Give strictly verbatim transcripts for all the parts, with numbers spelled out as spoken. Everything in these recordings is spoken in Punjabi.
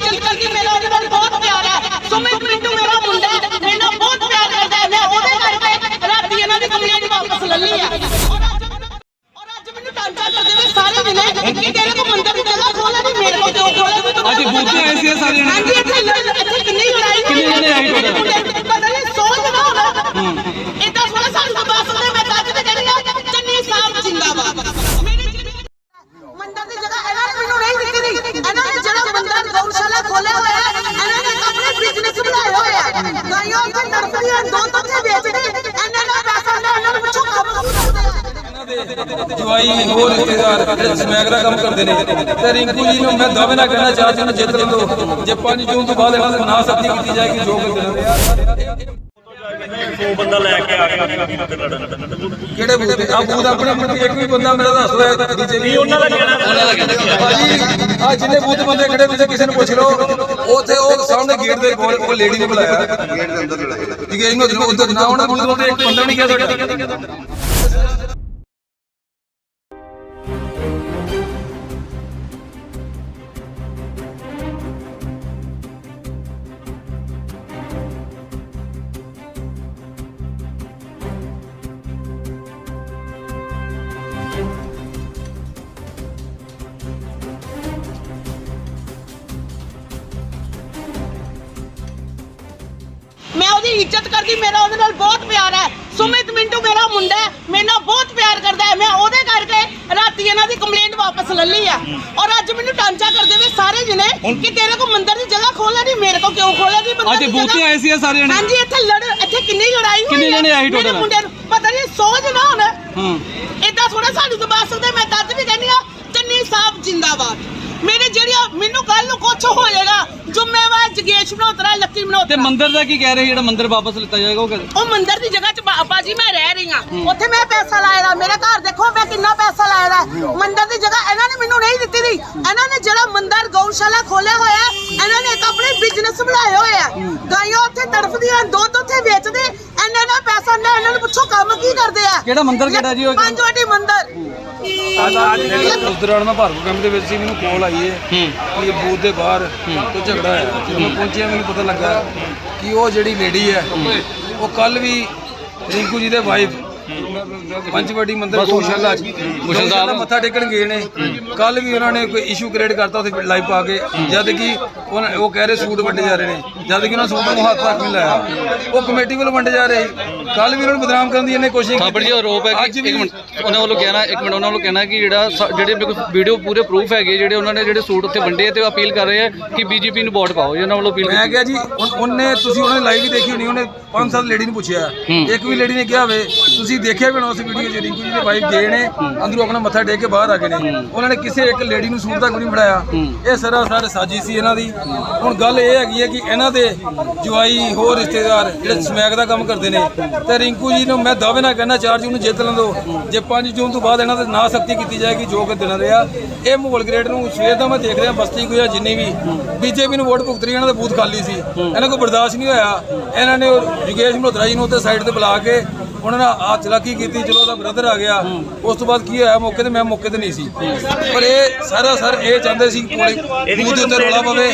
ਇੱਜ਼ਤ ਕਰਦੀ, ਮੇਰਾ ਉਹਦੇ ਨਾਲ ਬਹੁਤ ਪਿਆਰ ਹੈ। ਸੁਮਿਤ ਮਿੰਟੂ ਮੇਰਾ ਮੁੰਡਾ ਹੈ, ਮੇਰੇ ਨਾਲ ਬਹੁਤ ਪਿਆਰ ਕਰਦਾ ਹੈ। ਮੈਂ ਉਹਦੇ ਕਰਕੇ ਰਾਤੀ ਇਹਨਾਂ ਦੀ ਕੰਪਲੇਂਟ ਵਾਪਸ ਲੈ ਲਈ ਹੈ। ਔਰ ਅੱਜ ਮੈਨੂੰ ਟਾਂਚਾ ਕਰਦੇ ਨੇ ਸਾਰੇ ਜਣੇ ਕਿ ਤੇਰੇ ਕੋ ਮੰਦਰ ਦੀ ਜਗ੍ਹਾ ਖੋਲਾ ਨਹੀਂ, ਮੇਰੇ ਕੋ ਕਿਉਂ ਖੋਲਾ? ਅੱਜ ਬੂਥੇ ਆਏ ਸੀ ਸਾਰੇ ਜਣੇ। ਹਾਂਜੀ, ਇੱਥੇ ਇੱਥੇ ਕਿੰਨੀ ਲੜਾਈ ਕਿੰਨੇ ਜਣੇ ਆਏ ਟੋਟਲ? ਪਤਾ ਨਹੀਂ ਸੌ ਜਣਾ ਹੋਣਾ। ਇਦਾਂ ਥੋੜਾ ਸਾਨੂੰ ਬਸ ਹੁੰਦੇ। ਮੈਂ ਤਾਂ ਤੇ ਕਹਿੰਦੀ ਆ ਚੰਨੀ ਸਾਹਿਬ ਜਿੰਦਾਬਾਦ। ਮੰਦਰ ਦੀ ਜਗ੍ਹਾ ਇਹਨਾਂ ਨੇ ਮੈਨੂੰ ਨਹੀਂ ਦਿੱਤੀ ਦੀ। ਇਹਨਾਂ ਨੇ ਜਿਹੜਾ ਮੰਦਰ ਗਊਸ਼ਾਲਾ ਖੋਲਿਆ ਹੋਇਆ ਹੈ, ਇਹਨਾਂ ਨੇ ਆਪਣੇ ਬਿਜ਼ਨਸ ਬਣਾਏ ਹੋਏ ਆ। ਗਾਈਆਂ ਉੱਥੇ ਤੜਫਦੀਆਂ, ਦੁੱਧ ਉੱਥੇ ਵੇਚਦੇ। ਇਹਨਾਂ ਦਾ ਪੈਸਾ ਲੈ, ਇਹਨਾਂ ਨੂੰ ਪੁੱਛੋ ਕੰਮ ਕੀ ਕਰਦੇ ਆ। ਜਵਾਈ ਹੋਰ ਰਿਸ਼ਤੇਦਾਰ ਸਮੈਕ ਦਾ ਕੰਮ ਕਰਦੇ ਨੇ ਤੇ ਰਿੰਕੂ ਜੀ ਨੂੰ ਮੈਂ ਦਾਅਵੇ ਨਾਲ ਕਹਿਣਾ ਚਾਹਦਾ ਹਾਂ ਜਿੱਤ ਲਓ। ਜੇ ਪੰਜ ਜੂਨ ਤੋਂ ਬਾਅਦ ਇਹਨਾਂ ਦੀ ਨਾ ਸਖਤੀ ਕੀਤੀ ਜਾਏਗੀ ਜੋ ਕਰਦੇ ਸੌ ਬੰਦਾ ਲੈ ਕੇ ਆ ਗਿਆ ਕਿਹੜੇ ਬੂਥ ਤੇ ਆ ਬੂਥ ਆਪਣੇ ਪ੍ਰਤੀ ਇੱਕ ਵੀ ਬੰਦਾ ਮੇਰਾ ਦੱਸ ਦੋ ਬੀਜੇਪੀ ਉਹਨਾਂ ਦਾ ਕਹਿਣਾ ਉਹਨਾਂ ਦਾ ਕਹਿਣਾ ਭਾਜੀ ਆ ਜਿੰਨੇ ਬੂਥ ਬੰਦੇ ਖੜੇ ਤੁਸੀਂ ਕਿਸੇ ਨੂੰ ਪੁੱਛ ਲਓ ਉੱਥੇ ਉਹ ਸਾਹਮਣੇ ਗੇਟ ਦੇ ਕੋਲ ਉਹ ਲੇਡੀ ਨੇ ਬੁਲਾਇਆ ਗੇਟ ਦੇ ਅੰਦਰ ਲੜਾਇਆ ਠੀਕ ਹੈ ਇਹਨੂੰ ਉਧਰ ਨਾ ਉਹਨਾਂ ਬੂਥ ਤੇ ਇੱਕ ਬੰਦਾ ਨਹੀਂ ਗਿਆ ਸਾਡਾ। ਮੈਂ ਉਹਦੀ ਇੱਜ਼ਤ ਕਰਦੀ, ਮੇਰਾ ਉਹਦੇ ਨਾਲ ਬਹੁਤ ਪਿਆਰ ਹੈ। ਸੁਮਿਤ ਮਿੰਟੂ ਮੇਰਾ ਮੁੰਡਾ ਹੈ, ਮੇਰੇ ਨਾਲ ਬਹੁਤ ਪਿਆਰ ਕਰਦਾ ਹੈ। ਮੈਂ ਉਹਦੇ ਕਰਕੇ ਰਾਤੀ ਇਹਨਾਂ ਦੀ ਕੰਪਲੇਂਟ ਵਾਪਸ ਲੈ ਲਈ ਹੈ। ਔਰ ਅੱਜ ਮੈਨੂੰ ਟਾਂਚਾ ਕਰਦੇ ਵੇ ਸਾਰੇ ਜਣੇ ਕਿ ਤੇਰੇ ਕੋ ਮੰਦਰ ਦੀ ਜਗ੍ਹਾ ਖੋਲਾ ਨਹੀਂ, ਮੇਰੇ ਕੋ ਕਿਉਂ ਖੋਲਾ ਨਹੀਂ? ਅੱਜ ਬੂਥੇ ਆਏ ਸੀ ਸਾਰੇ ਜਣੇ। ਹਾਂਜੀ, ਇੱਥੇ ਲੜ ਇੱਥੇ ਕਿੰਨੀ ਲੜਾਈ ਹੋਈ। ਕਿੰਨੇ ਜਣੇ ਆਏ ਟੋਟਲ? ਮੁੰਡੇ ਨੂੰ ਪਤਾ ਨਹੀਂ ਸੌ ਜਣਾ ਹੋਣਾ। ਹਾਂ, ਇਦਾਂ ਥੋੜਾ ਸਾਨੂੰ ਦਬਾ ਸਕਦੇ। ਮੈਂ ਤਦ ਵੀ ਕਹਿੰਦੀ ਆ ਚੰਨੀ ਸਾਹਿਬ ਜਿੰਦਾਬਾਦ। ਮੇਰੇ ਜਿਹੜੀਆਂ ਮੈਨੂੰ ਕੱਲ ਨੂੰ ਕੁਝ ਹੋ ਜਾਏਗਾ, ਜ਼ਿੰਮੇਵਾਰ ਜਗੇਸ਼ ਮਨੋਤਰਾ, ਲੱਕੀ ਮਨੋਤਰਾ। ਤੇ ਮੰਦਿਰ ਦਾ ਕੀ ਕਹਿ ਰਹੇ ਜਿਹੜਾ ਮੰਦਿਰ ਵਾਪਸ ਲਿੱਤਾ ਜਾਏਗਾ ਉਹ ਕਹਿੰਦੇ ਉਹ ਮੰਦਿਰ ਦੀ ਜਗ੍ਹਾ 'ਚ ਬਾਬਾ ਜੀ ਮੈਂ ਰਹਿ ਰਹੀ ਹਾਂ, ਉੱਥੇ ਮੈਂ ਪੈਸਾ ਲਾਇਆ ਦਾ। ਮੇਰੇ ਘਰ ਦੇਖੋ ਮੈਂ ਕਿੰਨਾ ਪੈਸਾ ਲਾਇਆ ਦਾ। ਮੰਦਿਰ ਦੀ ਜਗ੍ਹਾ ਇਹਨਾਂ ਨੇ ਮੈਨੂੰ ਨਹੀਂ ਦਿੱਤੀ ਦੀ। ਇਹਨਾਂ ਨੇ ਜਿਹੜਾ ਮੰਦਿਰ ਗਊਸ਼ਾਲਾ ਖੋਲਿਆ ਹੋਇਆ, ਇਹਨਾਂ ਨੇ ਇੱਕ ਆਪਣੇ ਬਿਜ਼ਨਸ ਬਣਾਏ ਹੋਏ ਆ। ਗਾਈਆਂ ਉੱਥੇ ਤੜਫਦੀਆਂ, ਦੁੱਧ ਉੱਥੇ ਵੇਚਦੇ। ਇਹਨਾਂ ਦਾ ਪੈਸਾ ਲੈ, ਇਹਨਾਂ ਨੂੰ ਪੁੱਛੋ ਕੰਮ ਕੀ ਕਰਦੇ ਆ। ਕਿਹੜਾ ਮੰਦਿਰ ਕਿਹੜਾ ਜੀ ਉਹ? ਪੰਜ ਵਾਟੀ ਮੰਦਿਰ। ਉਸ ਦੌਰਾਨ ਮੈਂ ਭਾਰਗੋ ਕੈਂਪ ਦੇ ਵਿੱਚ ਸੀ, ਮੈਨੂੰ ਕਾਲ ਆਈ ਹੈ ਕਿ ਇਹ ਬੂਥ ਦੇ ਬਾਹਰ ਤੋਂ ਝਗੜਾ ਹੈ। ਜਦੋਂ ਮੈਂ ਪਹੁੰਚਿਆ ਮੈਨੂੰ ਪਤਾ ਲੱਗਾ ਕਿ ਉਹ ਜਿਹੜੀ ਲੇਡੀ ਹੈ ਉਹ ਕੱਲ ਵੀ ਰਿੰਕੂ ਜੀ ਦੇ ਵਾਈਫ ਪੰਚਵਟੀ ਮੰਦਿਰ ਗਊਸ਼ਾਲਾ ਗਊਸ਼ਾਲਾ ਮੱਥਾ ਟੇਕਣ ਗਏ ਨੇ। ਕੱਲ ਵੀ ਉਹਨਾਂ ਨੇ ਕੋਈ ਇਸ਼ੂ ਕ੍ਰੀਏਟ ਕਰਤਾ ਉੱਥੇ ਲਾਈਵ ਪਾ ਕੇ, ਜਦ ਕਿ ਉਹ ਕਹਿ ਰਹੇ ਸੂਟ ਵੰਡੇ ਜਾ ਰਹੇ ਨੇ, ਜਦ ਕਿ ਉਹਨਾਂ ਸੂਟ ਨੂੰ ਹੱਥ ਤੱਕ ਨਹੀਂ ਲਾਇਆ। ਉਹ ਕਮੇਟੀ ਵੱਲੋਂ ਵੰਡੇ ਜਾ ਰਹੇ। ਕੱਲ ਵੀ ਉਹਨਾਂ ਨੂੰ ਬਦਨਾਮ ਕਰਨ ਦੀ ਇਹਨੇ ਕੋਸ਼ਿਸ਼ ਕੀਤੀ। ਜੀ ਆਰੋਪ ਹੈ ਕਿ ਇੱਕ ਮਿੰਟ ਉਹਨਾਂ ਵੱਲੋਂ ਕਹਿਣਾ ਇੱਕ ਮਿੰਟ ਉਹਨਾਂ ਵੱਲੋਂ ਕਹਿਣਾ ਕਿ ਜਿਹੜਾ ਜਿਹੜੇ ਮੇਰੇ ਕੋਲ ਵੀਡੀਓ ਪੂਰੇ ਪ੍ਰੂਫ ਹੈਗੇ ਜਿਹੜੇ ਉਹਨਾਂ ਨੇ ਜਿਹੜੇ ਸੂਟ ਉੱਥੇ ਵੰਡੇ ਤੇ ਅਪੀਲ ਕਰ ਰਹੇ ਆ ਕਿ ਬੀਜੇਪੀ ਨੂੰ ਵੋਟ ਪਾਓ। ਉਹਨਾਂ ਵੱਲੋਂ ਅਪੀਲ ਮੈਂ ਕਿਹਾ ਜੀ ਉਹਨੇ ਤੁਸੀਂ ਉਹਨਾਂ ਨੇ ਲਾਈਵ ਵੀ ਦੇਖੀ ਹੋਣੀ, ਉਹਨੇ ਪੰਜ ਸੱਤ ਲੇਡੀ ਨੂੰ ਪੁੱਛਿਆ, ਇੱਕ ਵੀ ਲੇਡੀ ਨੇ ਕਿਹਾ ਹੋਵੇ ਤੁਸੀਂ ਦੇਖਿਆ ਵੀ ਨਾ ਉਸ ਵੀਡੀਓ 'ਚ ਰਿੰਕੂ ਜੀ ਦੇ ਵਾਈਫ ਗਏ ਨੇ ਅੰਦਰੋਂ ਆਪਣਾ ਮੱਥਾ ਟੇਕ ਕੇ ਬਾਹਰ ਆ ਗਏ ਨੇ। ਉਹਨਾਂ ਨੇ ਕਿਸੇ ਇੱਕ ਲੇਡੀ ਨੂੰ ਸੂਟ ਤੱਕ ਨਹੀਂ ਫੜਾਇਆ। ਇਹ ਸਰਾਸਰ ਸਾਜ਼ਿਸ਼ ਸੀ ਇਹਨਾਂ ਦੀ। ਹੁਣ ਗੱਲ ਇਹ ਹੈਗੀ ਹੈ ਕਿ ਇਹਨਾਂ ਦੇ ਜਵਾਈ ਹੋਰ ਰਿਸ਼ਤੇਦਾਰ ਜਿਹੜੇ ਸਮੈਕ ਦਾ ਕੰਮ ਕਰਦੇ ਨੇ ਤੇ ਰਿੰਕੂ ਜੀ ਨੂੰ ਮੈਂ ਦਾਅਵੇ ਨਾਲ ਕਹਿਣਾ ਚਾਰ ਜੂਨ ਨੂੰ ਜਿੱਤ ਲੈਂਦੋ। ਜੇ ਪੰਜ ਜੂਨ ਤੋਂ ਬਾਅਦ ਇਹਨਾਂ ਦੇ ਨਾ ਸਖਤੀ ਕੀਤੀ ਜਾਏਗੀ ਜੋ ਕਿ ਦਿਨ ਰਿਹਾ। ਇਹ ਮਾਹੌਲ ਗ੍ਰੇਡ ਨੂੰ ਸਵੇਰ ਦਾ ਮੈਂ ਦੇਖ ਰਿਹਾ, ਬਸਤੀ ਕੋਈ ਜਿੰਨੀ ਵੀ ਬੀਜੇਪੀ ਨੂੰ ਵੋਟ ਭੁਗਤ ਰਹੀ, ਇਹਨਾਂ ਦਾ ਬੂਥ ਖਾਲੀ ਸੀ। ਇਹਨਾਂ ਕੋਲ ਬਰਦਾਸ਼ਤ ਨਹੀਂ ਹੋਇਆ। ਇਹਨਾਂ ਨੇ ਜਗੇਸ਼ ਮਲਹੋਤਰਾ ਜੀ ਨੂੰ ਉੱਥੇ ਸਾਈਡ ਤੇ ਬੁਲਾ ਕੇ ਉਹਨਾਂ ਨੇ ਆ ਚਲਾਕੀ ਕੀਤੀ। ਚਲੋ ਉਹਦਾ ਬ੍ਰਦਰ ਆ ਗਿਆ। ਉਸ ਤੋਂ ਬਾਅਦ ਕੀ ਹੋਇਆ ਮੌਕੇ ਤੇ ਮੈਂ ਮੌਕੇ ਤੇ ਨਹੀਂ ਸੀ, ਪਰ ਇਹ ਸਾਰਾ ਸਰ ਇਹ ਚਾਹੁੰਦੇ ਸੀ ਕਿ ਬੂਥ ਦੇ ਉੱਤੇ ਰੌਲਾ ਪਵੇ।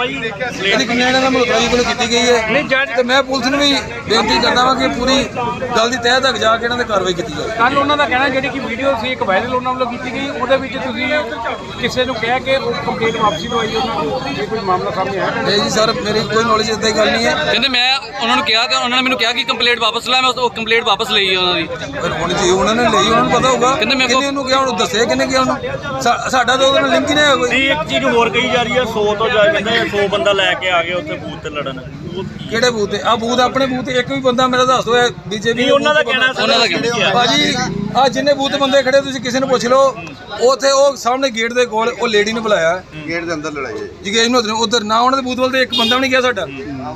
ਇਹਦੀ ਕੰਪਲੇਂਟ ਇਹਨਾਂ ਮਲਹੋਤਰਾ ਜੀ ਕੋਲ ਕੀਤੀ ਗਈ ਹੈ ਤੇ ਮੈਂ ਪੁਲਿਸ ਨੂੰ ਵੀ ਬੇਨਤੀ ਕਰਦਾ ਵਾਂ ਕਿ ਪੂਰੀ ਗੱਲ ਦੀ ਤਹਿ ਤੱਕ ਜਾ ਕੇ ਇਹਨਾਂ ਤੇ ਕਾਰਵਾਈ ਕੀਤੀ ਜਾਵੇ। ਕੱਲ ਉਹਨਾਂ ਦਾ ਕਹਿਣਾ ਜਿਹੜੀ ਕਿ ਵੀਡੀਓ ਸੀ ਇੱਕ ਵਾਇਰਲ ਉਹਨਾਂ ਵੱਲੋਂ ਕੀਤੀ ਗਈ, ਉਹਦੇ ਵਿੱਚ ਤੁਸੀਂ ਕਿਸੇ ਨੂੰ ਕਹਿ ਕੇ ਉਹ ਕੰਪਲੇਂਟ ਵਾਪਸੀ ਲਵਾਈ ਉਹਨਾਂ ਨੂੰ, ਇਹ ਕੋਈ ਮਾਮਲਾ ਸਾਹਮਣੇ ਆਇਆ? ਨਹੀਂ ਜੀ ਸਰ, ਮੇਰੀ ਕੋਈ ਨੌਲੇਜ ਇਦਾਂ ਦੀ ਗੱਲ ਨਹੀਂ ਹੈ। ਕਹਿੰਦੇ ਮੈਂ ਉਹਨਾਂ ਨੂੰ ਕਿਹਾ ਤੇ ਉਹਨਾਂ ਨੇ ਮੈਨੂੰ ਕਿਹਾ ਕਿ ਕੰਪਲੇਂਟ ਵਾਪਸ ਲੈ। ਮੈਂ ਉਹ ਕੰਪਲੇਂਟ ਵਾਪਸ ਲਈ ਉਹਨਾਂ ਦੀ। ਪਰ ਹੁਣ ਜੀ ਉਹਨਾਂ ਨੇ ਲਈ, ਉਹਨਾਂ ਨੂੰ ਪਤਾ ਹੋਊਗਾ ਕਹਿੰਦੇ ਮੈਂ ਕਿੰਨੇ ਨੂੰ ਕਿਹਾ, ਉਹਨੂੰ ਦੱਸਿਆ ਕਿੰਨੇ ਕਿਹਾ ਉਹਨੂੰ। ਸਾਡਾ ਤਾਂ ਉਹਦੇ ਨਾਲ ਲਿੰਕ ਹੀ ਨਹੀਂ ਹੈ ਕੋਈ। ਨਹੀਂ, ਇੱਕ ਚੀਜ਼ ਹੋਰ ਕਹੀ ਜਾ ਰਹੀ ਹੈ ਸੌ ਤੋਂ ਜਾ ਕਹਿੰਦੇ ਸੌ ਬੰਦਾ ਲੈ ਕੇ ਆ ਗਏ ਉੱਥੇ ਬੂਥ ਤੇ ਲੜਨ। ਕਿਹੜੇ ਬੂਥ ਤੇ? ਆ ਬੂਥ ਆਪਣੇ ਬੂਥ ਤੇ ਇੱਕ ਵੀ ਬੰਦਾ ਮੇਰਾ ਦੱਸ ਦੋ ਬੀਜੇਪੀ ਉਹਨਾਂ ਦਾ ਕਹਿਣਾ ਉਹਨਾਂ ਦਾ ਕਹਿਣਾ ਭਾਜੀ ਆ ਜਿੰਨੇ ਬੂਥ ਬੰਦੇ ਖੜੇ ਤੁਸੀਂ ਕਿਸੇ ਨੂੰ ਪੁੱਛ ਲਓ, ਉੱਥੇ ਉਹ ਸਾਹਮਣੇ ਗੇਟ ਦੇ ਕੋਲ ਉਹ ਲੇਡੀ ਨੇ ਬੁਲਾਇਆ, ਗੇਟ ਦੇ ਅੰਦਰ ਲੜਾਈ ਹੈ ਜਗੇਸ਼ ਮਲਹੋਤਰਾ ਉਧਰ ਨਾ ਉਹਨਾਂ ਦੇ ਬੂਥ ਵੱਲ ਤੇ ਇੱਕ ਬੰਦਾ ਵੀ ਨਹੀਂ ਗਿਆ ਸਾਡਾ।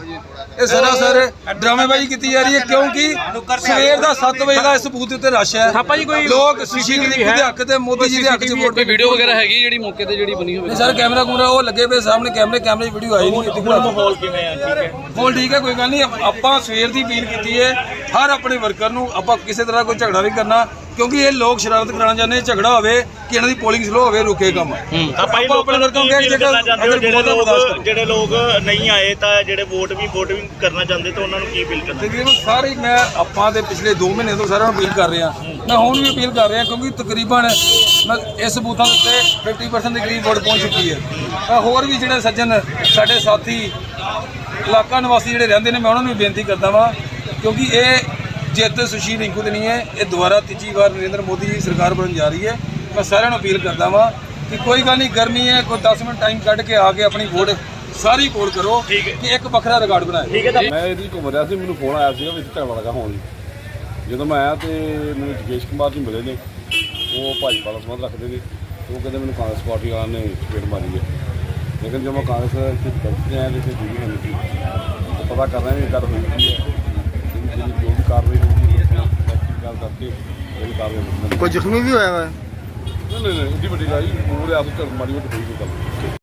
ਇਹ ਸਰਾਸਰ ਡਰਾਮੇਬਾਜ਼ੀ ਕੀਤੀ ਜਾ ਰਹੀ ਹੈ ਕਿਉਂਕਿ ਸਵੇਰ ਦਾ ਸੱਤ ਵਜੇ ਦਾ ਇਸ ਬੂਥ ਉੱਤੇ ਰਸ਼ ਹੈ। ਲੋਕ ਸੁਸ਼ੀਲ ਜੀ ਦੇ ਹੱਕ ਤੇ ਮੋਦੀ ਜੀ ਦੇ ਹੱਕ 'ਚ ਵੋਟ। ਕੋਈ ਵੀਡੀਓ ਵਗੈਰਾ ਹੈਗੀ ਜਿਹੜੀ ਮੌਕੇ ਤੇ ਜਿਹੜੀ ਬਣੀ ਹੋਵੇ? ਸਰ ਕੈਮਰਾ ਕੂਮਰਾ ਉਹ ਲੱਗੇ ਪਏ ਸਾਹਮਣੇ, ਕੈਮਰੇ ਕੈਮਰੇ 'ਚ ਵੀਡੀਓ ਆਈ ਨਹੀਂ। ਮਾਹੌਲ ਕਿਵੇਂ ਆ? ਠੀਕ ਹੈ, ਮਾਹੌਲ ਠੀਕ ਹੈ, ਕੋਈ ਗੱਲ ਨਹੀਂ। ਆਪਾਂ ਸਵੇਰ ਦੀ ਅਪੀਲ ਕੀਤੀ ਹੈ ਹਰ ਆਪਣੇ ਵਰਕਰ ਨੂੰ, ਆਪਾਂ ਕਿਸੇ ਤਰ੍ਹਾਂ ਕੋਈ ਝਗੜਾ ਨਹੀਂ ਕਰਨਾ। ਕਿਉਂਕਿ ਇਹ ਲੋਕ ਸ਼ਰਾਰਤ ਕਰਾਉਣਾ ਚਾਹੁੰਦੇ, ਝਗੜਾ ਹੋਵੇ ਕਿ ਇਹਨਾਂ ਦੀ ਪੋਲਿੰਗ ਸਲੋ ਹੋਵੇ, ਰੁਕੇ ਕੰਮ। ਆਪਾਂ ਆਪਾਂ ਆਪਣੇ ਵਰਗੋਂ ਕੀ ਕਹਿ feel ਜੇਕਰ ਕਰਨਾ ਚਾਹੁੰਦੇ ਹੋ ਅਗਰ ਜਿਹੜੇ ਬਹੁਤਾ ਬਰਦਾਸ਼ਤ ਲੋਕ ਕਰੋ। ਜਿਹੜੇ ਲੋਕ ਨਹੀਂ ਆਏ ਤਾਂ ਜਿਹੜੇ ਵੋਟ ਵੀ ਵੋਟ ਵੀ ਕਰਨਾ ਚਾਹੁੰਦੇ ਤਾਂ ਉਹਨਾਂ ਨੂੰ ਕੀ ਫੀਲ ਕਰਨਾ? ਤਕਰੀਬਨ ਸਾਰੇ ਹੀ ਮੈਂ ਆਪਾਂ ਦੇ ਪਿਛਲੇ ਦੋ ਮਹੀਨੇ ਤੋਂ ਸਾਰਿਆਂ ਨੂੰ ਅਪੀਲ ਕਰ ਰਿਹਾ, ਮੈਂ ਹੁਣ ਵੀ ਅਪੀਲ ਕਰ ਰਿਹਾ ਕਿਉਂਕਿ ਤਕਰੀਬਨ ਮੈਂ ਇਸ ਬੂਥਾਂ ਉੱਤੇ ਫਿਫਟੀ ਪਰਸੈਂਟ ਦੇ ਕਰੀਬ ਵੋਟ ਪਹੁੰਚ ਚੁੱਕੀ ਹੈ। ਮੈਂ ਹੋਰ ਵੀ ਜਿਹੜੇ ਸੱਜਣ ਸਾਡੇ ਸਾਥੀ ਇਲਾਕਾ ਨਿਵਾਸੀ ਜਿਹੜੇ ਰਹਿੰਦੇ ਨੇ, ਮੈਂ ਉਹਨਾਂ ਨੂੰ ਵੀ ਬੇਨਤੀ ਕਰਦਾ ਵਾਂ ਕਿਉਂਕਿ ਇਹ ਜਿੱਤ ਸੁਸ਼ੀਲ ਰਿੰਕੂ ਦੀ ਨਹੀਂ ਹੈ, ਇਹ ਦੁਬਾਰਾ ਤੀਜੀ ਵਾਰ ਨਰਿੰਦਰ ਮੋਦੀ ਦੀ ਸਰਕਾਰ ਬਣਨ ਜਾ ਰਹੀ ਹੈ। ਮੈਂ ਸਾਰਿਆਂ ਨੂੰ ਅਪੀਲ ਕਰਦਾ ਵਾਂ ਕਿ ਕੋਈ ਗੱਲ ਨਹੀਂ, ਗਰਮੀ ਹੈ, ਕੋਈ ਦਸ ਮਿੰਟ ਟਾਈਮ ਕੱਢ ਕੇ ਆ ਕੇ ਆਪਣੀ ਵੋਟ ਸਾਰੀ ਪੋਲ ਕਰੋ ਕਿ ਇੱਕ ਵੱਖਰਾ ਰਿਕਾਰਡ ਬਣਾਏ। ਮੈਂ ਇਹਦੀ ਘੁੰਮ ਰਿਹਾ ਸੀ, ਮੈਨੂੰ ਫੋਨ ਆਇਆ ਸੀਗਾ ਵਿੱਚ ਝਗੜਾ ਲੱਗਾ ਹੋਣ ਲਈ। ਜਦੋਂ ਮੈਂ ਆਇਆ ਤੇ ਮੈਨੂੰ ਜਗੇਸ਼ ਕੁਮਾਰ ਜੀ ਮਿਲੇ ਨੇ, ਉਹ ਭਾਜਪਾ ਦਾ ਸੰਬੰਧ ਰੱਖਦੇ ਨੇ। ਉਹ ਕਹਿੰਦੇ ਮੈਨੂੰ ਕਾਂਗਰਸ ਪਾਰਟੀ ਵਾਲਿਆਂ ਨੇ ਚਪੇੜ ਮਾਰੀ ਹੈ, ਲੇਕਿਨ ਜਦੋਂ ਮੈਂ ਕਾਂਗਰਸ ਇੱਥੇ ਦਫ਼ਤਰ ਆਇਆ ਤੇ ਇੱਥੇ ਜੁੜੀ ਹੋਈ ਸੀ, ਤਾਂ ਪਤਾ ਕਰ ਰਹੇ ਨੇ ਗੱਲ ਹੋਈ ਕੀ ਹੈ, ਜਿਹੜੀ ਜੋ ਵੀ ਕਾਰਵਾਈ ਹੋਊਗੀ ਗੱਲ ਕਰਕੇ ਜਿਹੜੀ ਕਾਰਵਾਈ ਹੋਊਗੀ। ਕੋਈ ਜ਼ਖਮੀ ਵੀ ਹੋਇਆ ਵਾ? ਨਹੀਂ ਨਹੀਂ ਨਹੀਂ, ਇੱਡੀ ਵੱਡੀ ਗੱਲ ਪੂਰੇ ਆਪ ਤੋਂ ਮਾੜੀ ਮੋਟੀ ਹੋਈ ਕੋਈ ਗੱਲ।